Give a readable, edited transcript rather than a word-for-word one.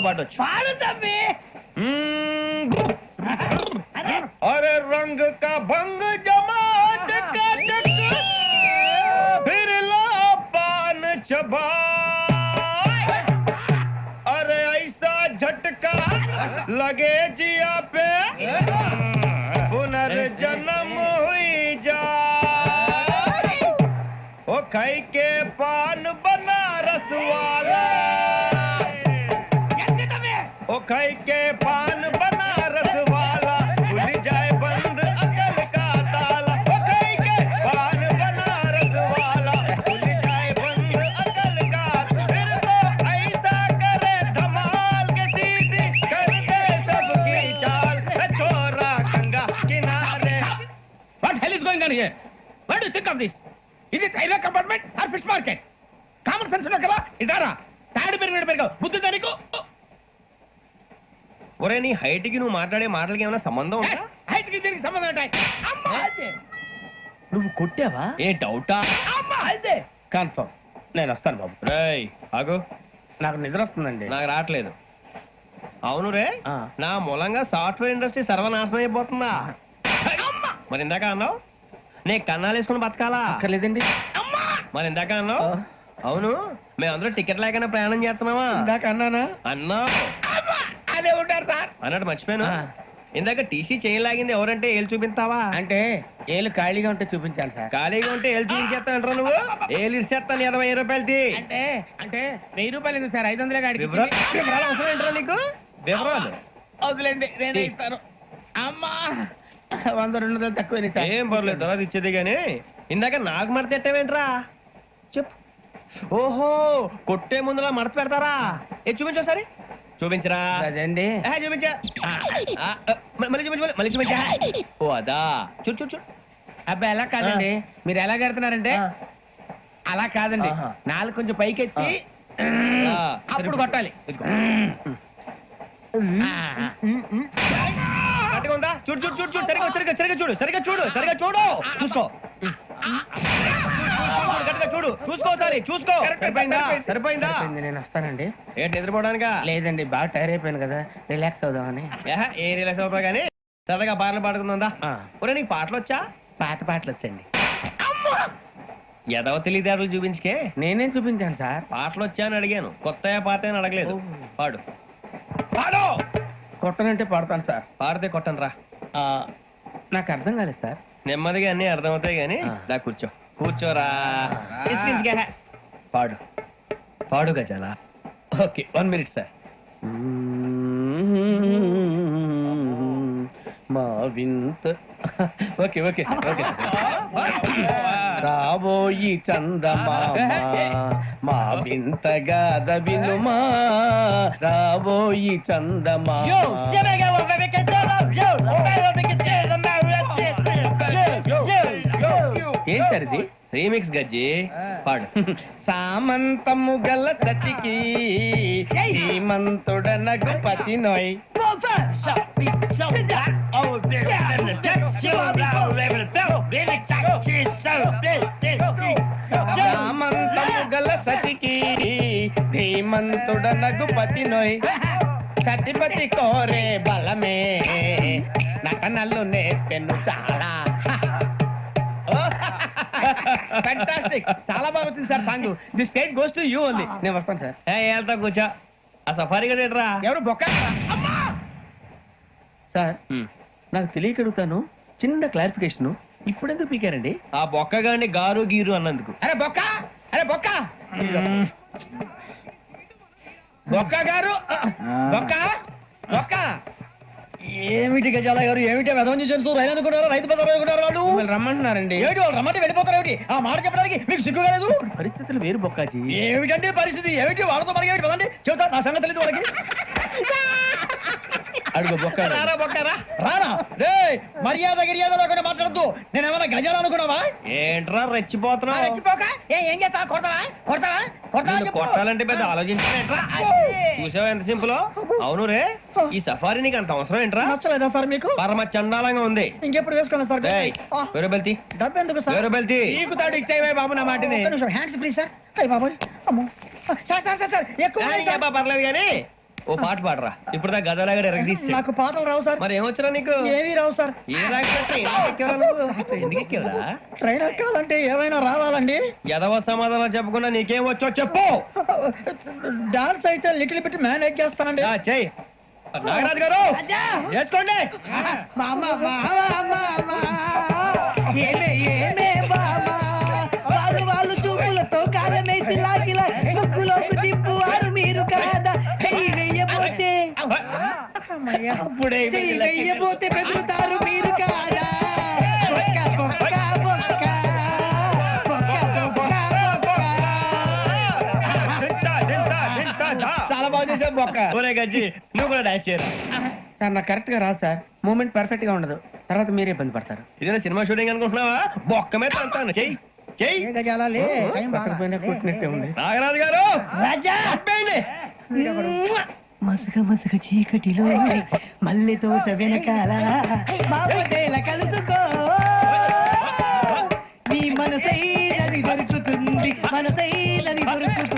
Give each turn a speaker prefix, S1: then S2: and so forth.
S1: పాడొచ్చు.
S2: పాడు తమ్మి.
S1: अरे रंग का भंग जमा चकाचक फिर ला पान चबा अरे ऐसा झटका लगे जिया पे पुनर्जन्म हुई जा ओ खाई के पान बनारस वाला ओ खाई के पान बनारस वाला खुल जाए बंद अकल का ताला ओ खाई के पान बनारस वाला खुल जाए बंद अकल का फिर तो ऐसा करे धमाल के सीधी कर दे सबकी चाल छोरा गंगा किनारे.
S2: What hell is going on here? What do you think of this? Is it railway compartment or fish market? Common sense ఉన్నా కదా ఇదారా తాడు పెరిగావు బుద్ధి దానికి.
S1: ఒరే నీ హైట్ కి నువ్వు మాట్లాడే మాటలకి ఏమైనా సంబంధం ఉందా?
S2: హైట్ కి దీనికి సంబంధం ఉంటాయి. అమ్మా అదే నువ్వు కొట్టావా?
S1: ఏ డౌటా?
S2: అమ్మా అదే కన్ఫర్మ్. నేను వస్తాను బాబు.
S1: రేయ్ ఆగు,
S2: నాకు నిద్ర వస్తుందండి.
S1: నాకు రావట్లేదు. అవును రే, నా మూలంగా సాఫ్ట్వేర్ ఇండస్ట్రీ సర్వనాశనం అయిపోతుందా? మరి ఇందాక అన్నావు నే కన్నాలు వేసుకుని బతకాలా?
S2: లేదండి.
S1: మరి ఇందాక అన్నావు అవును మేమందరూ టికెట్ లేకుండా ప్రయాణం చేస్తున్నావా?
S2: ఇందాక అన్నానా?
S1: అన్నావు.
S2: అదే ఉంటారు సార్.
S1: అన్నట్టు మర్చిపోయాను, ఇందాక టీసీ చేయలాగింది ఎవరంటే ఏళ్ళు చూపిస్తావా?
S2: అంటే ఏళ్ళు ఖాళీగా ఉంటే చూపించాలి సార్.
S1: ఖాళీగా ఉంటే ఏళ్ళు చూపించేస్తానంటారా నువ్వు? ఏళ్ళు ఇచ్చేస్తాను 20 రూపాయలది.
S2: అంటే అంటే 1000 రూపాయలు ఎందుకు సార్? 500 గాడికి
S1: వివరాలు అవసరం ఏంటరా నీకు? వివరాలు
S2: వదిలేండి, నేనే ఇస్తాను. అమ్మా 100-200 తక్కువ సార్.
S1: ఏం పర్లేదు, తర్వాత ఇచ్చేది గానీ ఇందాక నాకు మడత ఎట్టవేంట్రా చెప్పు. ఓహో కొట్టే ముందులా మడత పెడతారా? ఏ చూపించు ఒకసారి. చూపించరా?
S2: అదండి.
S1: చూపించా. మళ్ళీ చూపించు, మళ్ళీ చూపించా. ఓ అదా, చూడు చూడు చూడు.
S2: అబ్బాయి ఎలా కాదండి, మీరు ఎలా కడుతున్నారంటే అలా కాదండి. నాలుగు కొంచెం పైకెత్తి అప్పుడు కొట్టాలి.
S1: కరెక్ట్గా ఉందా? చూడు చూడు చూడు చూడు, సరిగా సరిగా సరిగా చూడు, సరిగా చూడు, సరిగా చూడు, చూసుకో. చూడు చూసుకో, సరే చూసుకో. సరిపోయిందా? సరిపోయిందా?
S2: నేను వస్తానండి.
S1: ఏంటి నిద్రపోవడానికా?
S2: లేదండి, బాగా టైర్ అయిపోయాను కదా, రిలాక్స్ అవుదామని.
S1: ఏ రిలాక్స్ అవుతావు కానీ సరదాగా పాటలు పాడుకుందా? ఒరే నీకు పాటలు వచ్చా?
S2: పాత పాటలు వచ్చండి.
S1: ఎదవ తెలివితేటలు చూపించుకే.
S2: నేనేం చూపించాను సార్?
S1: పాటలు వచ్చా అని అడిగాను, కొత్త పాత అని అడగలేదు. పాడు పాడు.
S2: కొట్టనంటే పాడతాను సార్.
S1: పాడితే కొట్టను రా.
S2: నాకు అర్థం కాలేదు సార్.
S1: నెమ్మదిగా అన్ని అర్థమవుతాయి గానీ నా కూర్చో. కూర్చోరా. పాడు పాడు గజాల.
S2: Okay 1 minute sir. మా వింత. Okay okay sir, okay sir. రాబోయి చందమామ మా వింతగా వినుమా, రాబోయి చందమామ. ఏం సార్ ఇది?
S1: రీమిక్స్ గజ్జి. పాడు.
S2: సామంతము గల సతికి శ్రీమంతుడనగు పతి నోయ్. సామంతము గల సతికి ధీమంతుడనగు పతి నోయ్. సతిపతి కోరే బలమే నటనలు నేర్పెను చాలా. ఫ్యాంటాస్టిక్, చాలా బాగా వచ్చింది sir song. The state goes to you only. నేను వస్తాను సార్.
S1: వెళ్తా కూర్చో. ఆ సఫారీ గడేట్రా?
S2: ఎవరు బొక్క సార్? నాకు తెలియక అడుగుతాను, చిన్న క్లారిఫికేషన్. ఇప్పుడు ఎందుకు పీకారండి?
S1: ఆ బొక్క గాని గారు గీరు అన్నందుకు.
S2: అరే బొక్క, అరే బొక్క, బొక్క గారు, బొక్క బొక్క.
S3: ఏమిటి గజాల గారు, ఏమిటి వెదవని జంతువు రైలు అనుకున్నారో రైతు బజార్ అనుకున్నారు వాళ్ళు?
S2: రమ్మంటున్నారండి.
S3: ఏమిటి వాళ్ళు రమ్మంటే వెళ్ళిపోతారు? ఏమిటి ఆ మాట చెప్పడానికి మీకు సిగ్గు కాలేదు?
S2: పరిస్థితులు వేరు బొక్కాజీ.
S3: ఏమిటంటే పరిస్థితి? ఏమిటి వాళ్ళతో మనకి ఏమిటి పదండి చెబుతా, నా సంగతి తెలియదు వాళ్ళకి.
S2: అడుగు బొక్క.
S1: రారా బొక్కరా.
S3: రానా రే, మర్యాద గిర్యాద లేకుండా మాట్లాడద్దు. నేను ఏమైనా గజాలు అనుకున్నావా?
S1: ఏంట్రా రెచ్చిపోతున్నావు?
S3: ఏం చేస్తావా? కొడతావా కొడతావా కొడతావా?
S1: కొట్టాలంటే పెద్ద ఆలోచించా. చూసావా ఎంత సింపుల్? అవును రే, ఈ సఫారీ నీకు అంత అవసరం ఏంట్రా?
S3: నచ్చలేదా సార్ మీకు?
S1: పరమ చండాలంగా ఉంది.
S3: ఇంకెప్పుడు వేసుకున్నా సార్?
S1: వెరబెల్తి
S3: డబ్బు ఎందుకు సార్?
S1: వెరబెల్తి
S2: నీకు తాడు ఇచ్చేవే బాబు నా మాటని.
S3: Hands free sir. అయ్యి బాబు, అమ్మో సార్ సార్ సార్ సార్ ఎక్కువ
S1: పర్లేదు కానీ ఓ పాట పాడరా ఇప్పుడు దా గదలాగడ ఎరగదీసి
S3: నాకు పాటలు రావు సార్.
S1: మరి ఏమొచ్చరా నీకు
S3: ఏమీ రావు సార్.
S1: ఏ రాకపోతే ఎందుకు ఎక్కేవరా
S3: ట్రైన్ ఎక్కాలంటే ఏమైనా రావాలండి.
S1: ఎదవ సమాధానం చెప్పకుండా నీకేం వచ్చో చెప్పు.
S3: డాన్స్ అయితే లిటిల్ బిట్ మేనేజ్ చేస్తానండి.
S1: చెయ్యి నాగరాజు గారు చేసుకోండి.
S3: వాళ్ళు చూపులతో కారమేసి లాగిలా ముక్కులోకి తిప్పువారు మీరు కాదా. చెయ్యి వెయ్యబోతే
S1: అప్పుడే
S3: చెయ్యి వెయ్యబోతే బెదురుతారు మీరు కాదా. బొక్క బొక్క బొక్క బొక్క బొక్క బొక్క.
S2: చాలా బాగా చేసావు బొక్క.
S1: ఒరే గజ్జి నువ్వు కూడా డాన్స్ చేయరా.
S2: సార్ నాకు కరెక్ట్ గా రాదు సార్. మూమెంట్ పర్ఫెక్ట్ గా ఉండదు, తర్వాత మీరే ఇబ్బంది పడతారు.
S1: ఇదేనా సినిమా షూటింగ్ అనుకుంటున్నావా? బొక్క మీద అంతాను చెయ్యి చెయ్యి.
S3: ఏ గజాలాలే, టైం బాగా.
S2: పక్కన కొట్టినట్టే ఉంది.
S1: నాగరాజు గారు
S3: రాజా
S1: ఆపేయండి.
S3: మసగ మసగ చీకటిలో మల్లె తోట వెనకాల మాపదేల కలుసుకో. నీ మనసైనది దొరుకుతుంది, మనసైనది దొరుకుతుంది.